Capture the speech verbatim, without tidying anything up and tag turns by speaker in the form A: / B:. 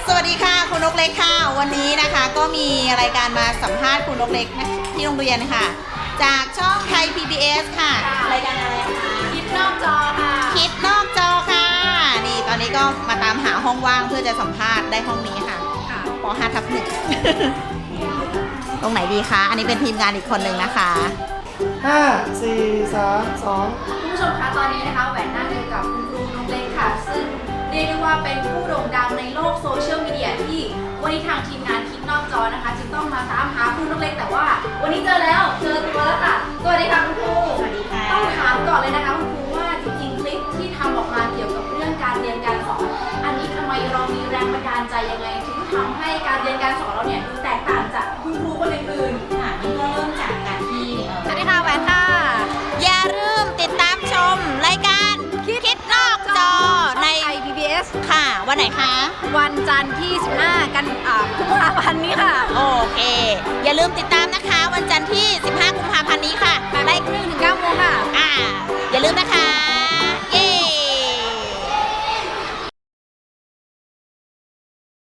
A: สวัสดีค่ะคุณนกเล็กค่ะวันนี้นะคะก็มีรายการมาสัมภาษณ์คุณนกเล็กนะที่โรงเรียนค่ะจากช่องไทย พี บี เอส ค่ะรายการอะไรคะ
B: คิดนอกจอค่ะ
A: คิดนอกจอค่ะนี่ตอนนี้ก็มาตามหาห้องว่างเพื่อจะสัมภาษณ์ได้ห้องนี้ค่ะป .ห้า ทับหนึ่ง ตรงไหนดีคะอันนี้เป็นทีมงานอีกคนหนึ่งนะคะ
C: ห้า สี่ สาม สอง
B: คุณผู้ชมคะตอนนี้นะคะแหวนนั่งอยู่กับคุณครูนกเล็กค่ะซึ่งเรียกได้ว่าเป็นผู้โด่งดังในโลกโซเชียลมีเดียที่วันนี้ทางทีมงานคิดนอกจอนะคะจึงต้องมาตามหาคุณนกเล็กแต่ว่าวันนี้เจอแล้วเจอตัวแล้วค่ะสวัสดีค่ะคุณครู
A: สวัสดีค่ะ
B: ต้องถามก่อนเลยนะคะคุณครูว่าจริงๆคลิปที่ทำออกมาเกี่ยวกับเรื่องการเรียนการสอนอันนี้ทำไมเรามีแรงบันดาลใจยังไงถึงทำให้การเรียนการสอนเราเนี่ยดูแตกต่างจากคุณครูคนอื่น
A: ๆค่ะมันก็เริ่มจากการที่
B: สวัสดีค่ะแหวนค่ะ
A: อย่าลืมติดตามชมรายการคิดนอกจอใน
B: ไทย พี บี เอส
A: ค่ะวันไหนคะ
B: วันจันทร์ที่สิบห้ากันอ่ากุมภาพันธ์นี้ค่ะ
A: โอเคอย่าลืมติดตามนะคะวันจันทร์ที่สิบห้ากุมภ